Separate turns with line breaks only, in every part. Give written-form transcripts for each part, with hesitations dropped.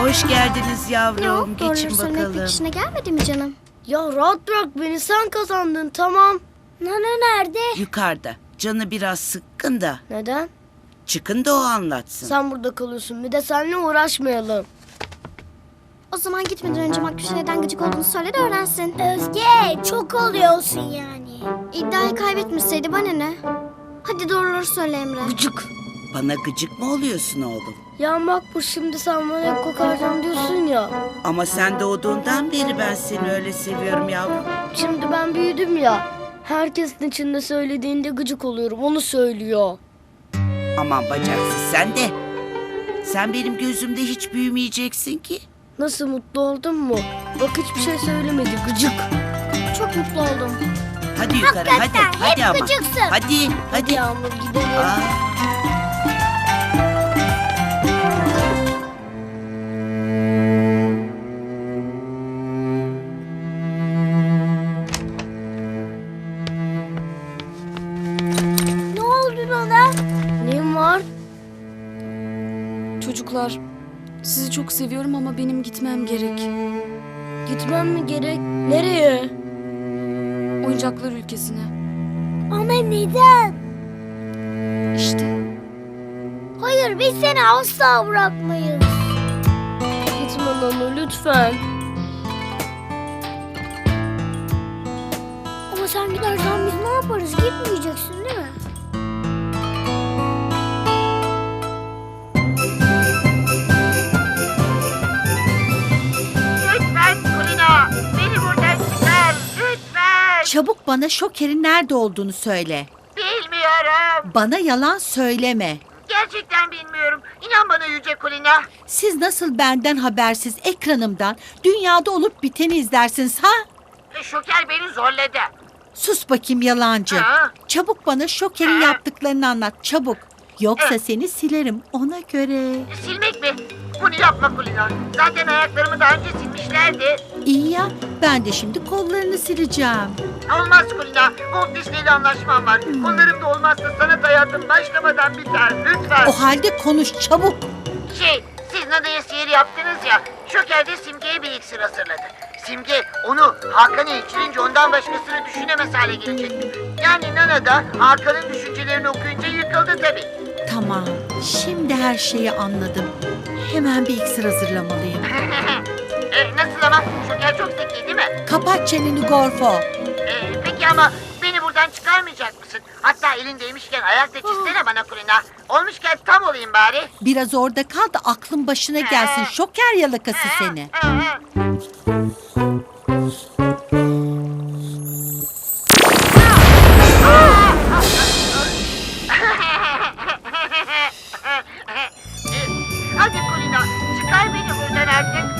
Hoş geldiniz
Ne o?
yavrum.
Doğruları
Geçin
söylemek
bakalım.
pek işine gelmedi mi canım?
Ya rahat bırak beni, sen kazandın, tamam.
Nana nerede?
Yukarıda. Canı biraz sıkkın da.
Neden?
Çıkın da o anlatsın.
Sen burada kalıyorsun, bir de seninle uğraşmayalım.
O zaman gitmeden önce Makbuş'a neden gıcık olduğunu söyle de öğrensin. Özge çok oluyorsun yani. İddiayı kaybetmişseydi bana ne? Hadi doğruları söyle Emre.
Gıcık.
Bana gıcık mı oluyorsun oğlum?
Ya Makbuş, şimdi sen bana hep kokarcan diyorsun ya.
Ama sen doğduğundan beri ben seni öyle seviyorum yavrum.
Şimdi ben büyüdüm ya. Herkesin içinde söylediğinde gıcık oluyorum, onu söylüyor.
Aman bacaksız sen de. Sen benim gözümde hiç büyümeyeceksin ki.
Nasıl, mutlu oldun mu? Bak hiçbir şey söylemedi, gıcık.
Çok mutlu oldum.
Hadi yukarı hadi. Hadi ama.
gıcıksın.
Hadi hadi.
Yağmur, gidelim.
Aa,
Ne oldu Nana?
Neyim var?
Çocuklar, sizi çok seviyorum ama benim gitmem gerek.
Gitmem mi gerek? Nereye?
Oyuncaklar ülkesine.
Ama neden?
İşte.
Hayır biz seni asla bırakmayız.
Gitme Nana, lütfen.
Ama sen gidersen biz ne yaparız? Gitmeyeceksin değil mi?
Lütfen Kulina, beni buradan çıkar, lütfen.
Çabuk bana Şoker'in nerede olduğunu söyle.
Bilmiyorum.
Bana yalan söyleme.
Gerçekten bilmiyorum. İnan bana Yüce Kulina.
Siz nasıl benden habersiz ekranımdan dünyada olup biteni izlersiniz ha?
Şoker beni zorladı.
Sus bakayım yalancı.
Ha?
Çabuk bana Şoker'in
Ha?
yaptıklarını anlat çabuk. Yoksa
Ha?
seni silerim ona göre.
Silmek mi? Bunu yapma Kulina. Zaten ayaklarımı daha önce silmişlerdi.
İyi ya ben de şimdi kollarını sileceğim.
Olmaz Kulina. Walt Disney'le anlaşmam var. Onların da olmazsa sanat hayatım başlamadan biter. Lütfen.
O halde konuş çabuk.
Siz Nada'ya sihir yaptınız ya. Şoker de Simge'ye bir iksir hazırladı. Simge onu Hakan'a içirince ondan başkasını düşünemez hale gelecek. Yani Nana da Hakan'ın düşüncelerini okuyunca yıkıldı tabii.
Tamam şimdi her şeyi anladım. Hemen bir iksir hazırlamalıyım.
Nasıl ama? Şoker çok zeki değil mi?
Kapat çeneni Gorfo.
Peki ama beni buradan çıkarmayacak mısın? Hatta elindeymişken ayakta çizsene bana Kulina. Olmuşken tam olayım bari.
Biraz orada kal da aklın başına gelsin Şoker yalakası seni.
Hadi Kulina, çıkar beni buradan artık.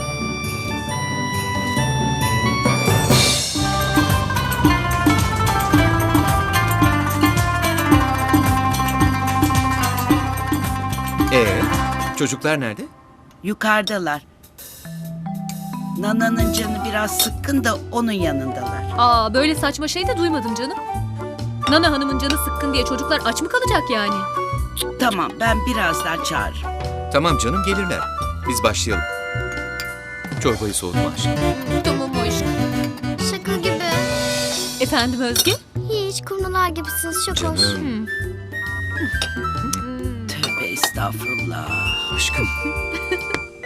Çocuklar nerede?
yukarıdalar. Nana'nın canı biraz sıkkın da onun yanındalar.
Aa, böyle saçma şey de duymadım canım. Nana Hanım'ın canı sıkkın diye çocuklar aç mı kalacak yani?
Tamam ben birazdan çağırırım.
Tamam canım, gelirler. Biz başlayalım. Çorbayı soğutma aşkım.
Tamam o iş.
Şaka gibi.
Efendim Özge?
Hiç kumrular gibisiniz çok hoş.
Canım,
Tövbe estağfurullah.
aşkım.